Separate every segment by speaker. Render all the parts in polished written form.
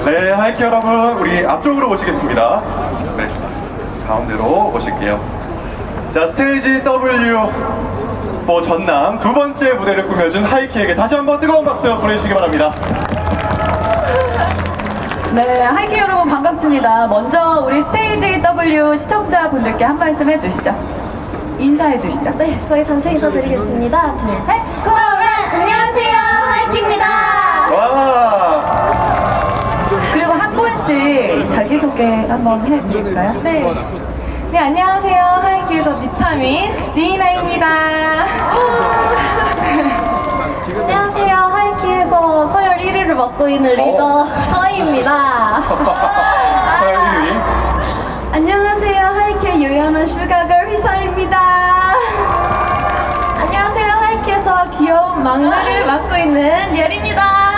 Speaker 1: 네, 하이키 여러분, 우리 앞쪽으로 모시겠습니다. 네, 가운데로 모실게요. 자, 스테이지 W 전남 두 번째 무대를 꾸며준 하이키에게 다시 한번 뜨거운 박수 보내주시기 바랍니다.
Speaker 2: 네, 하이키 여러분 반갑습니다. 먼저 우리 스테이지 W 시청자분들께 한 말씀 해주시죠. 인사해 주시죠.
Speaker 3: 네, 저희 단체 인사드리겠습니다. 둘, 셋. 고마워라! 안녕하세요, 하이키입니다.
Speaker 1: 와,
Speaker 2: 그리고 한 분씩 자기소개 한번 해드릴까요?
Speaker 3: 네. 네, 안녕하세요. 하이키에서 비타민 리이나입니다. 안녕하세요. 하이키에서 서열 1위를 맡고 있는 리더 서희입니다.
Speaker 1: 서희.
Speaker 3: 안녕하세요. 하이키의 유연한 슈가걸 휘서입니다. 안녕하세요. 하이키에서 귀여운 막내를 맡고 있는 예리입니다.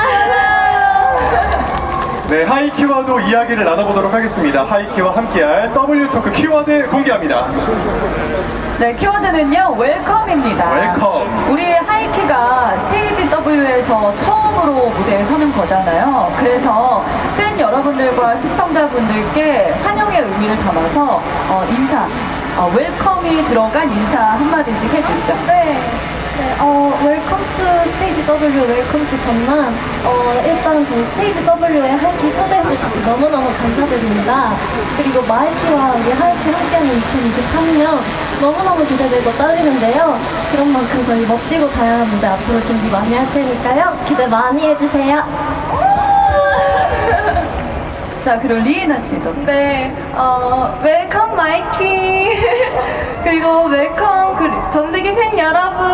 Speaker 1: 네, 하이키와도 이야기를 나눠보도록 하겠습니다. 하이키와 함께할 W토크 키워드 공개합니다.
Speaker 2: 네, 키워드는요, 웰컴입니다.
Speaker 1: 웰컴.
Speaker 2: 우리 하이키가 스테이지 W에서 처음으로 무대에 서는 거잖아요. 그래서 팬 여러분들과 시청자분들께 환영의 의미를 담아서 인사, 웰컴이 들어간 인사 한마디씩 해주시죠.
Speaker 3: 네. 웰컴 투 스테이지 W, 웰컴 투 전남. 일단 저희 스테이지 W에 하이키 초대해주셔서 너무너무 감사드립니다. 그리고 마이키와 우리 하이키 함께하는 2023년 너무너무 기대되고 떨리는데요. 그런 만큼 저희 멋지고 다양한 무대 앞으로 준비 많이 할 테니까요. 기대 많이 해주세요.
Speaker 2: 자, 그리고 리이나 씨도.
Speaker 3: 네, 웰컴 마이키. 그리고 웰컴 전 세계 팬 여러분.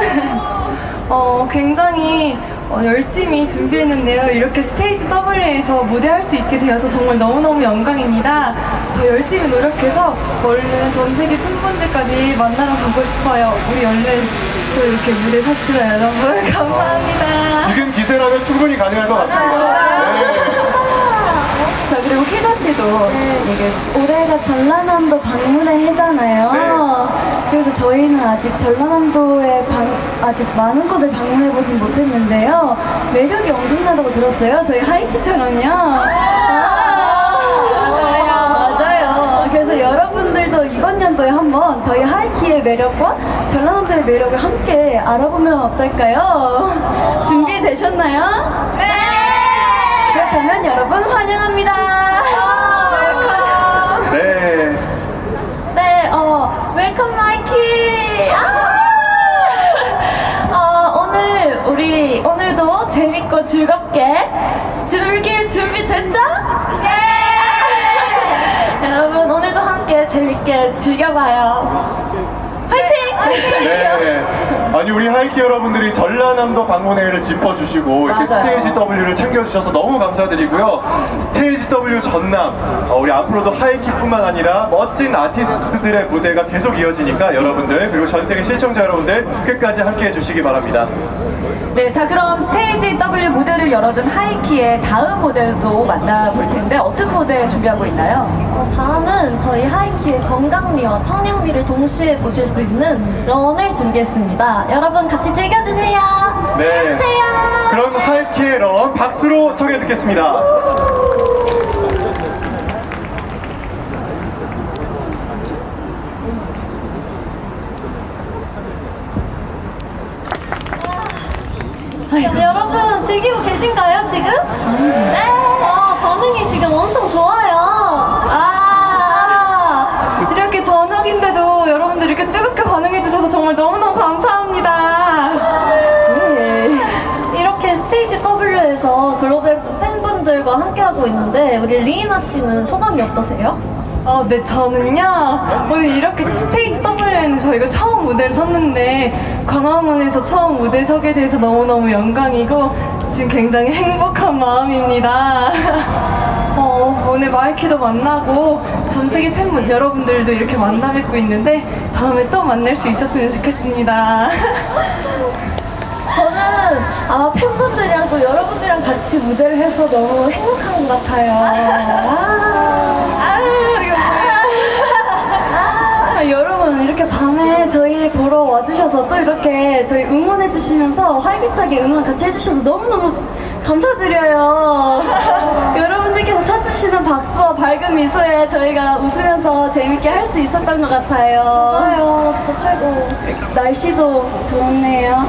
Speaker 3: 굉장히 열심히 준비했는데요. 이렇게 스테이지 W에서 무대할 수 있게 되어서 정말 너무너무 영광입니다. 더 열심히 노력해서 얼른 전 세계 팬분들까지 만나러 가고 싶어요. 우리 얼른 또 이렇게 무대 섭시다, 여러분. 감사합니다.
Speaker 1: 지금 기세라면 충분히 가능할 것 같습니다. 네.
Speaker 2: 자, 그리고 희서 씨도 얘기해 주세요.
Speaker 3: 올해가 전라남도 방문의 해잖아요.
Speaker 1: 네.
Speaker 3: 그래서 저희는 아직 전라남도에 아직 많은 곳을 방문해보진 못했는데요. 매력이 엄청나다고 들었어요. 저희 하이키처럼요. 맞아요. 그래서 여러분들도 이번 연도에 한번 저희 하이키의 매력과 전라남도의 매력을 함께 알아보면 어떨까요? 준비되셨나요? 네! 그렇다면 여러분 환영합니다. 웰컴.
Speaker 1: 네.
Speaker 3: 네, 웰컴 마이키. 오늘도 재밌고 즐겁게 즐길 준비 됐죠? 네. 여러분 오늘도 함께 재밌게 즐겨봐요. 화이팅!
Speaker 1: 네. 아니, 우리 하이키 여러분들이 전라남도 방문회를 짚어주시고 이렇게
Speaker 2: 맞아요.
Speaker 1: 스테이지 W를 챙겨주셔서 너무 감사드리고요. 스테이지 W 전남, 우리 앞으로도 하이키뿐만 아니라 멋진 아티스트들의 무대가 계속 이어지니까 여러분들, 그리고 전 세계 시청자 여러분들 끝까지 함께 해주시기 바랍니다.
Speaker 2: 네, 자, 그럼 스테이지 W 무대를 열어준 하이키의 다음 무대도 만나볼 텐데 어떤 무대 준비하고 있나요?
Speaker 3: 다음은 저희 하이키의 건강미와 청량미를 동시에 보실 수 있는 런을 준비했습니다. 여러분 같이 즐겨주세요. 즐겨주세요.
Speaker 1: 그럼 하이키의 런 박수로 청해 듣겠습니다.
Speaker 3: 여러분 즐기고 계신가요 지금? 네. 반응이 지금 엄청 좋아요. 이렇게 저녁인데도 여러분들 이렇게 뜨겁게 반응해주셔서 정말 너무너무 감사합니다. 이렇게 스테이지 W에서 글로벌 팬분들과 함께하고 있는데 우리 리이나 씨는 소감이 어떠세요? 네, 저는요 오늘 이렇게 스테이지 W에는 저희가 처음 무대를 섰는데 광화문에서 처음 무대 서게 돼서 너무너무 영광이고 지금 굉장히 행복한 마음입니다. 오늘 마이키도 만나고 전 세계 팬분 여러분들도 이렇게 만나 뵙고 있는데 다음에 또 만날 수 있었으면 좋겠습니다. 저는 팬분들이랑 또 여러분들이랑 같이 무대를 해서 너무 행복한 것 같아요. 여러분 이렇게 밤에 저희 보러 와주셔서 또 이렇게 저희 응원해 해주시면서 활기차게 응원 같이 해주셔서 너무너무 감사드려요. 여러분들께서 쳐주시는 박수와 밝은 미소에 저희가 웃으면서 재밌게 할 수 있었던 것 같아요. 맞아요. 진짜 최고. 날씨도 좋네요.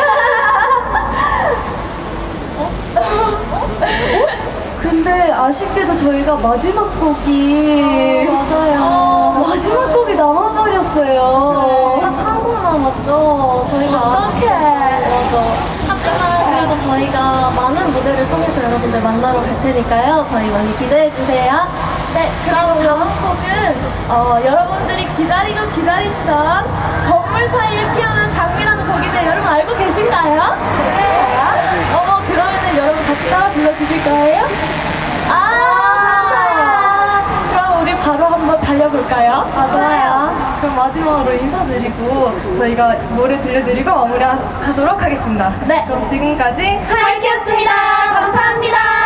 Speaker 3: 근데 아쉽게도 저희가 마지막 곡이 마지막 곡이 남아버렸어요. 딱 한 곡 남았죠. 저희가 어떡해. 맞아. 하지만 그래도 저희가 많은 무대를 통해서 여러분들 만나러 갈 테니까요. 저희 많이 기대해 주세요. 네, 그럼 다음 곡은 여러분들이 기다리고 기다리시던 건물 사이에 피어난 장미라는 곡인데 여러분 알고 계신가요? 네. 그러면은 여러분 같이 따라 불러주실 거예요? 감사해요. 그럼 우리 바로 한번 달려볼까요? 좋아요. 그럼 마지막으로 인사드리고 저희가 노래 들려드리고 마무리하도록 하겠습니다. 네. 그럼 지금까지 하이키였습니다. 감사합니다.